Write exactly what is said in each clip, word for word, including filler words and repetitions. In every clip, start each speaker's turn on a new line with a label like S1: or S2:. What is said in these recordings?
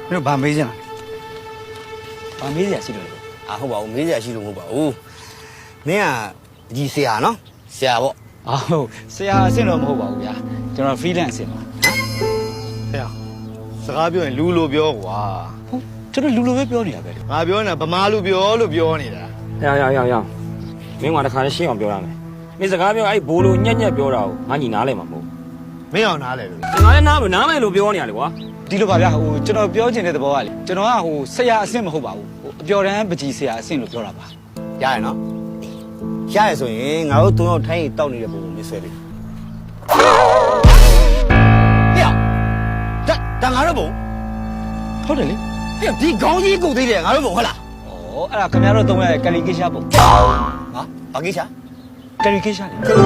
S1: မင်းတို့ဗာမေးချင်လားဗာမေးစရာရှိလို့လေ
S2: အာဟုတ်ပါဘူးမေးစရာရှိလို့မဟုတ်ပါဘူးမင်းကဒီဆရာနော်ဆရာပေါ့
S1: အာဟုတ်ဆရာအဆင့်တော့မဟုတ်ပါဘူးဗျာကျွန်တော် freelance အဆင့်ပါဟမ်ဆရာစကားပြောရင်လူလိုပြောကွာဟုတ်ကျွန်တော်လူလိုပဲပြောနေတာပဲငါပြောနေတာဗမာလူပြောလို့ပြောနေတာ
S3: ရရရရမင်းကတခါလေးရှင်းအောင်ပြောရမယ်မင်းစကားပြောအဲ့ဘိုးလိုညက်ညက်ပြောတာကိုငါညီနားလဲမှာမဟုတ်
S2: မင်းအောင်နားလဲလို့
S3: ငါလည်းနားမနားမယ်လို့ပြောနေရလေကွာ
S1: ဒီလိုပါဗျာဟိုကျွန်တော်ပြောချင်တဲ့သဘောကလေကျွန်တော်ကဟိုဆရာအဆင့်မဟုတ်ပါဘူးဟိုအပျော်တမ်းပကြီးဆရာအဆင့်လို့ပြောတာပါ
S2: ရရနော်ရရဆိုရင်ငါတို့သုံးယောက်ထိုင်းရင်တောက်နေတဲ့ပုံကိုမြင်ဆွဲပြီဟေ့ဒါဒါငါတို့ပုံ
S1: ဟုတ်တယ်လေ
S2: ဟေ့ဒီခေါင်းကြီးကုတ်သေးတယ်ငါတို့ပုံဟုတ်လား
S1: ဩအဲ့ဒါခင်ဗျားတို့သုံးရတဲ့ကလီကေရှာပုံ
S2: ဟာဘာကိစ္စ
S1: ကလီကေရှာလေ
S3: ဟဲ့ဟဲ့ဟဲ့ဟဲ့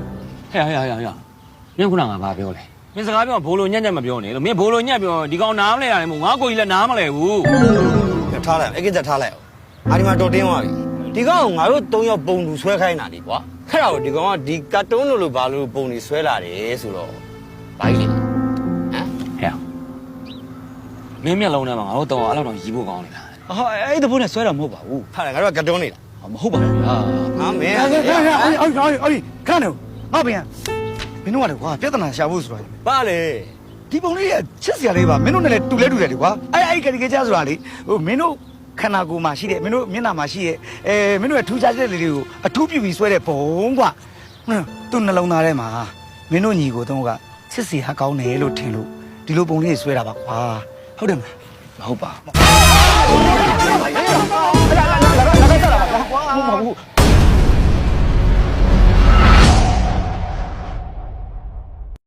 S3: မင်းခုနကငါဘာပြောလဲမင်းစကားပြောဘိုးလိုညက်ညက်မပြောနဲ့လို့မင်းဘိုးလိုညက်ပြောဒီကောင်နားမလဲရတယ်မို့ငါကိုကြီးလည်းနားမလဲဘူး
S2: ထားလိုက်အဲ့ကိစ္စထားလိုက်အောင်အာဒီမှာတော်တင်းသွားပြီဒီကောင်ငါတို့သုံးယောက်ပုံလူဆွဲခိုင်းတာဒီကွာအဲ့ဒါကိုဒီကောင်ကဒီကာတွန်းလိုလိုဘာလို့ပုံတွေဆွဲလာတယ်ဆိုတော့ဘာကြီးလဲဟမ်
S3: ဟဲ့မင်းမျက်လုံးထဲမှာငါတို့တော့အဲ့လောက်တော့ရီးဖို့ကောင်းနေတာ
S1: ဟာအဲ့ဒီဘုန်းနဲ့ဆွဲတာမဟုတ်ပါဘူး
S2: ဟာငါတို့ကကာတွန်းနေတာ
S1: မဟုတ်ပါဘူးဗျာ
S2: ဟာမင်း
S1: အဲ့အဲ့အဲ့အဲ့အဲ့ခဏနေငါပြန်မင်းတို့ကလေကွာပြဿနာရှာဖို့ဆိုတာ
S2: ပါလေ
S1: ဒီပုံလေးကချစ်စရာလေးပါမင်းတို့နဲ့လည်းတူလဲတူတယ်လေကွာအဲ့အဲ့ကလီကေရှာဆိုတာလေဟိုမင်းတို့ခန္ဓာကိုယ်မှာရှိတဲ့မင်းတို့မျက်နှာမှာရှိတဲ့အဲမင်းတို့ရဲ့ထူးခြားတဲ့လေးတွေကိုအထူးပြုပြီးဆွဲတဲ့ဘုံကွာသူ့နှလုံးသားထဲမှာမင်းတို့ညီကိုတော့ကချစ်စီဟာကောင်းတယ်လို့ထင်လို့ဒီလိုပုံလေးဆွဲတာပါကွာဟုတ်တယ်မလားမဟုတ်ပါဘူးမဟုတ်ပါဘူး